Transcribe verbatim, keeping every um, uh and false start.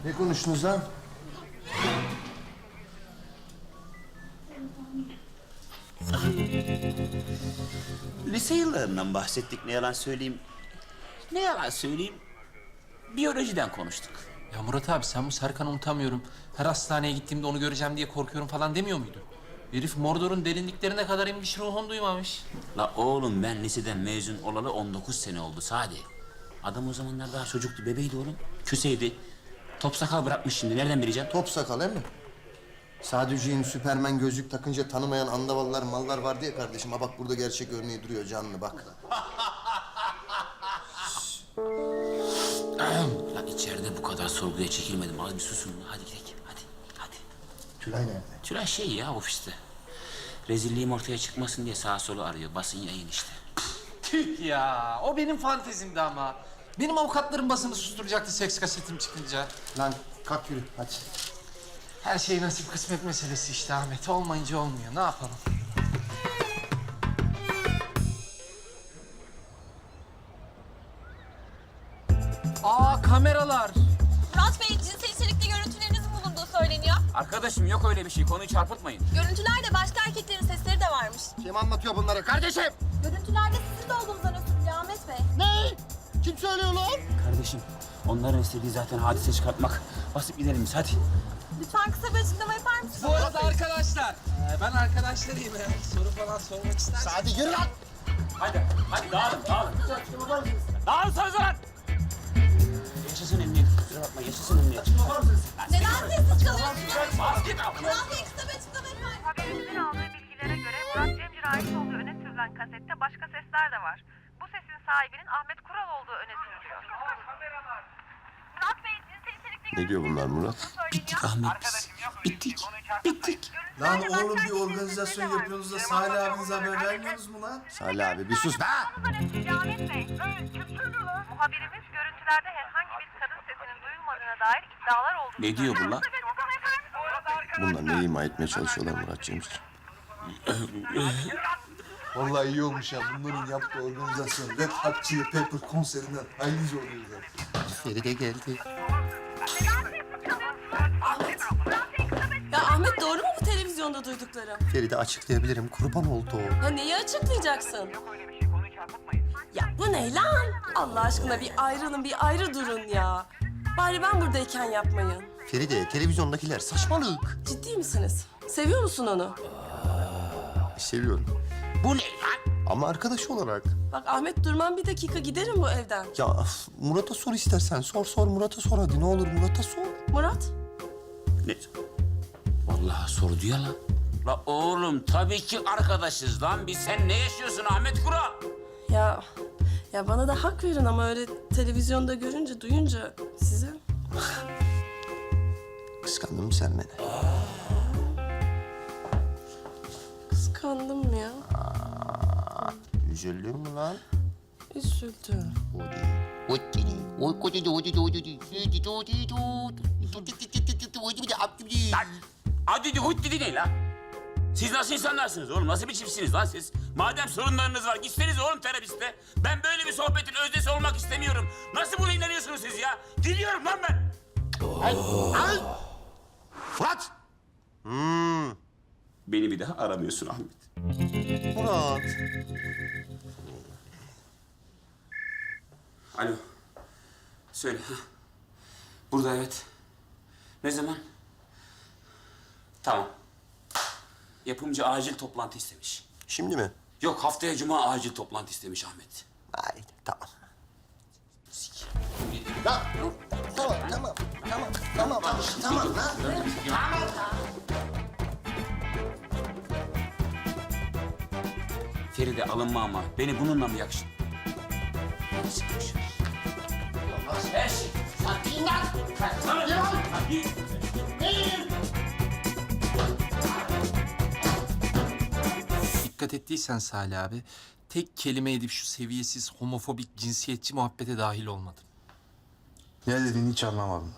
Ne konuştunuz lan? Lise yıllarından bahsettik, ne yalan söyleyeyim. Ne yalan söyleyeyim, biyolojiden konuştuk. Ya Murat abi sen bu Serkan'ı unutamıyorum. Her hastaneye gittiğimde onu göreceğim diye korkuyorum falan demiyor muydun? Herif Mordor'un derinliklerine kadar inmiş, ruhun duymamış. La oğlum, ben liseden mezun olalı on dokuz sene oldu Sadi. Adam o zamanlar daha çocuktu, bebeydi oğlum. Küseydi. Top sakal bırakmış şimdi, nereden bileceğim? Top sakal he mi? Sadüceğin Süpermen gözlük takınca tanımayan andavallar mallar vardı ya kardeşim. Ha bak burada gerçek örneği duruyor canlı bak. Lan içeride bu kadar sorguya çekilmedim. Az bir susun. Hadi gidelim. Hadi. Hadi. Tülay nerede? Tülay şey ya, ofiste. Rezilliğim ortaya çıkmasın diye sağa sola arıyor. Basın yayın işte. Tüh ya, o benim fantezimdi ama. Benim avukatlarım basını susturacaktı seks kasetim çıkınca. Lan kalk yürü hadi. Her şey nasip kısmet meselesi işte Ahmet. Olmayınca olmuyor. Ne yapalım? Aa, kameralar. Murat Bey, cinsel içerikli görüntülerinizin bulunduğu söyleniyor. Arkadaşım yok öyle bir şey. Konuyu çarpıtmayın. Görüntülerde başka erkeklerin sesleri de varmış. Kim anlatıyor bunları kardeşim? Görüntülerde sizin de olduğunuzdan ötürü Ahmet Bey. Ne? Kim söylüyor lan? Kardeşim, onların istediği zaten hadise çıkartmak. Basıp gidelim biz, hadi. Lütfen kısa bir açıklama yapar mısınız? Bu arada arkadaşlar, e, ben arkadaşlarıyım. Eğer soru falan sormak isterseniz. Hadi yürü lan. Hadi, hadi dağılın, dağılın. Dağılın söz lan! Yaşasın emniyet, kusura bakma, yaşasın emniyet. Neden sessiz kalıyorsunuz? Bas git abi. Murat Bey, kısa bir açıklama yapar mısınız? Haberimizin aldığı bilgilere göre Murat Cemcir'e ait olduğu öne sürülen kasette başka sesler de var. Bu sesin sahibinin Ahmet Kural olduğu öne sürülüyor. Murat Bey, cinsel içerikli Ne diyor bunlar Murat? Bittik Ahmet biz. Bittik, bittik. Lan oğlum bir organizasyon yapıyorsunuz da Salih abinize haber vermiyorsunuz mu lan? Salih abi bir sus be. Ahmet Bey, muhabirimiz görüntülerde herhangi bir kadın sesinin duyulmadığına dair iddialar olduğunu Ne diyor bu lan? Bunlar ne ima etmeye çalışıyorlar Murat Cemcir? Vallahi iyi olmuş ya. Bunların yaptığı organizasyon Red Hot Chili Pepper konserinden aynıca oluyor zaten. Feride geldi. Ya Ahmet doğru mu bu televizyonda duyduklarım? Feride açıklayabilirim kurban oldu o. Ya neyi açıklayacaksın? Ya bu ne lan? Allah aşkına bir ayrılın, bir ayrı durun ya. Bari ben buradayken yapmayın. Feride televizyondakiler saçmalık. Ciddi misiniz? Seviyor musun onu? Seviyorum. Bu ne lan? Ama arkadaş olarak. Bak Ahmet durmam bir dakika giderim bu evden. Ya öf, Murat'a sor istersen. Sor sor Murat'a sor hadi ne olur Murat'a sor. Murat? Ne? Vallahi sordu ya lan. La oğlum, tabii ki arkadaşız lan. Biz, sen ne yaşıyorsun Ahmet Kural? Ya ya bana da hak verin ama öyle televizyonda görünce, duyunca size. Kıskandın mı sen beni? Kıskandım ya. Üzüldün mü lan? Üzüldüm. Lan hadi hut dedi ne lan? Siz nasıl insanlarsınız oğlum? Nasıl bir çiftsiniz lan siz? Madem sorunlarınız var, gitseniz oğlum terapiste. Ben böyle bir sohbetin öznesi olmak istemiyorum. Nasıl buna inanıyorsunuz siz ya? Gidiyorum lan ben. Ay, ay. Murat! Hmm. Beni bir daha aramıyorsun Ahmet. Murat. Alo. Söyle. Ha. Burada evet. Ne zaman? Tamam. Yapımcı acil toplantı istemiş. Şimdi mi? Yok, haftaya cuma acil toplantı istemiş Ahmet. Haydi tamam. Ya dur. Tamam tamam tamam tamam tamam lan. Feride alınma ama. Beni bununla mı yakışın? Hadi çıkmış. Her şey. Sen lan. Sana ne var? Hadi. Dikkat ettiysen Salih abi, tek kelime edip şu seviyesiz, homofobik, cinsiyetçi muhabbete dahil olmadım. Ne dediğini hiç anlamadım.